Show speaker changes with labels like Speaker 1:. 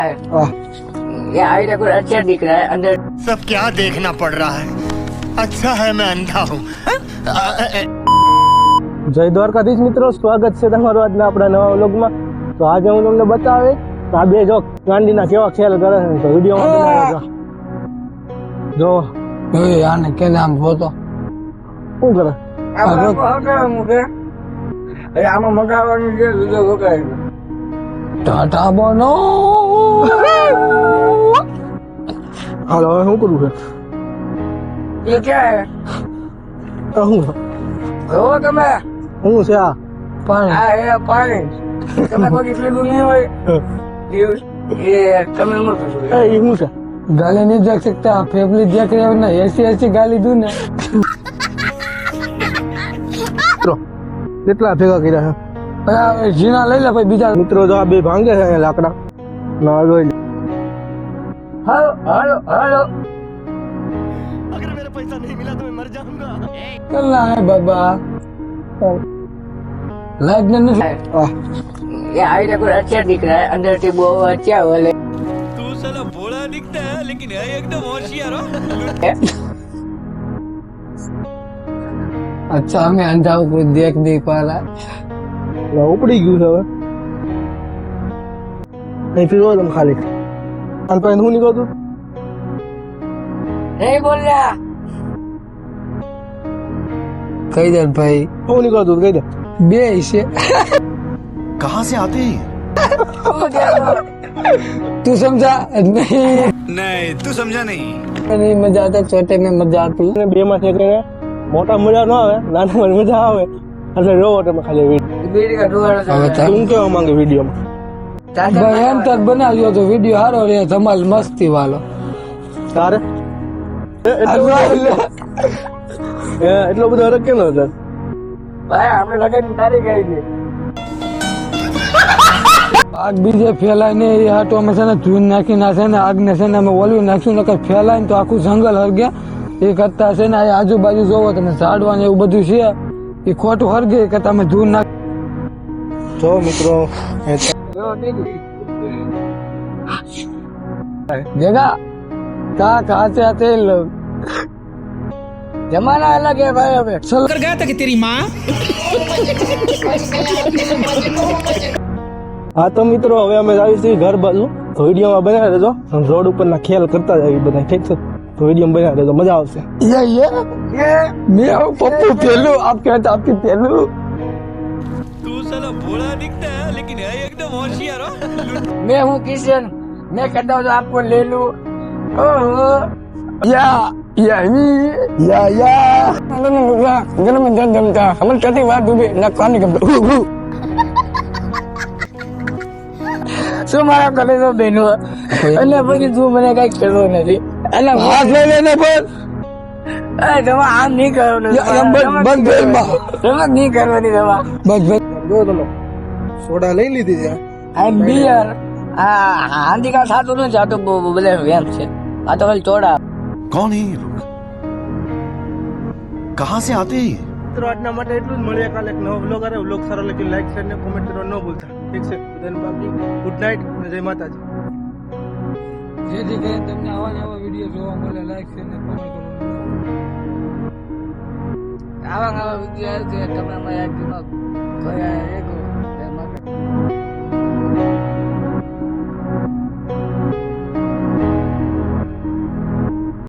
Speaker 1: ये आईडिया कुछ अच्छा दिख रहा है अंदर।
Speaker 2: सब क्या देखना पड़ रहा है, अच्छा है मैं अंधा हूँ।
Speaker 3: જય દ્વારકાધીશ મિત્રો, સ્વાગત છે તમારું આજના આપણા નવા વ્લોગમાં। તો આજે હું તમને બતાવે આ બે જો ગાંડીના કેવા ખેલ કરે છે, તો વિડીયોમાં બનાવ્યો જો
Speaker 4: આને કે નામ બોતો
Speaker 3: શું કરે
Speaker 1: આમાં મગાવવાનું છે વિડીયો વગાડે
Speaker 4: ટાટા બોનો
Speaker 3: હાલો હવે શું કરવું છે?
Speaker 1: ये क्या है
Speaker 3: શું
Speaker 1: वो તમે
Speaker 3: શું છે આ?
Speaker 4: પાણી
Speaker 1: આ એ પાણી તમે કોઈ પીલું નહીં હોય ये તમે ન પૂછો
Speaker 3: એ શું છે?
Speaker 4: गाली नहीं देख सकता, फैमिली देख रहे हो ना, ऐसी ऐसी गाली दूं ना।
Speaker 3: મિત્રો કેટલા ભેગા કર્યા છે
Speaker 4: जीना ले ले भाई बीजा
Speaker 3: મિત્રો? જો આ બે ભાંગે છે અહીંયા લાકડા ના જોઈ લે।
Speaker 1: हेलो हेलो हेलो
Speaker 2: अगर मेरा पैसा नहीं मिला तो मैं मर जाऊंगा।
Speaker 4: करना है बाबा लाइक ने नहीं
Speaker 3: આ
Speaker 1: ये आईडिया कुछ अच्छा दिख रहा है अंदर से वो अच्छा वाले
Speaker 2: तू साला भोला दिखता है लेकिन है एकदम होशियार हो।
Speaker 4: अच्छा हमें अंधा कोई देख नहीं पा रहा है।
Speaker 3: ઉપડી ગયું છે હવે નહીં પીવો તમે ખાલી અને પછી શું નીકળતું
Speaker 1: नहीं बोल रहा
Speaker 4: कही दे भाई
Speaker 3: શું નીકળતું કહી દે।
Speaker 4: बे इसे
Speaker 2: कहाँ से आते हैं?
Speaker 4: तू समझा नहीं
Speaker 2: नहीं तू समझा नहीं।
Speaker 4: नहीं मजा आता, छोटे में मजा आती।
Speaker 3: બે માંથી એકને મોટા મજા ન આવે, નાના મજા આવે એટલે જોવો તમે ખાલી વિડીયો।
Speaker 1: बीड़ी का डोरा
Speaker 3: શું કહેવા માંગે વિડીયોમાં?
Speaker 4: भाई एम तक बना लियो तो वीडियो हारो रे धमाल मस्ती वालो।
Speaker 3: તારે એટલો બધો હરક કેમ હતો?
Speaker 1: भाई हमने लगे तारीख आई थी
Speaker 4: आग बीजे फैलाय ने ये हाटो में से ने धून नाखी ना से ने आग ने से ने में ओलवी नाख्યું નકર ફેલાય તો આખું જંગલ હરગે। એ કરતા છે ને આ આજુબાજુ જોવો તમે ઝાડવા ને એવું બધું છે એ ખોટું હરગે કે તમે ધૂન નાખ
Speaker 3: જો મિત્રો
Speaker 4: देगा कहा कहाँ से आते हैं लोग।
Speaker 1: जमाना अलग है भाई अबे
Speaker 4: चल
Speaker 5: कर गया था कि तेरी माँ
Speaker 3: હા તો મિત્રો હવે અમે આવી છીએ ઘર બાજુ, તો વિડીયોમાં બનાવી દેજો। રોડ ઉપરના ખેલ કરતા જાય બધા, ઠીક છે? તો વિડીયોમાં બનાવી દેજો, મજા આવશે।
Speaker 4: ये मैं हूँ पप्पू पेलू, आप कहते आपकी पेलू।
Speaker 2: तू साला भोला दिखता है लेकिन है एकदम होशियार हो।
Speaker 1: मैं हूँ किशन, मैं कहता हूँ तो आपको ले लूं। ओहो
Speaker 4: या गरम जमता हमन कहती बात डूबे ना कान गमता
Speaker 1: શું મારા કરે તો બેનો અને પછી તું મને કઈ કહેતો નથી એટલે
Speaker 4: हाथ ले लेने पर
Speaker 1: તમે આમ નહીં કરો ને
Speaker 4: बस बेल माँ
Speaker 1: તમે નહીં કરવાની દવા
Speaker 4: बस बस
Speaker 3: જો તમે સોડા લઈ લીધી છે?
Speaker 1: આ બિયર આ હાંડીકા સાતું નથી, આ તો બધા વેમ છે, આ તો ખાલી ચોડા।
Speaker 2: कौन है ये लोग, कहाँ से आते हैं?
Speaker 3: મિત્રો આજના માટે એટલું જ। મળીએ કાલે એક નવો વ્લોગ આવે। વ્લોગ સારો લાગે લાઈક શેર ને કોમેન્ટ કરવા ન ભૂલતા, ઠીક છે? બધાને બાકી ગુડ નાઇટ અને જય માતાજી।
Speaker 4: જેથી કરીને તમને આવા ને આવા વિડીયો જોવા મળે, લાઈક શેર ને કોમેન્ટ કરવાનું।
Speaker 1: આવા વિડીયો આવે છે તમે અમારા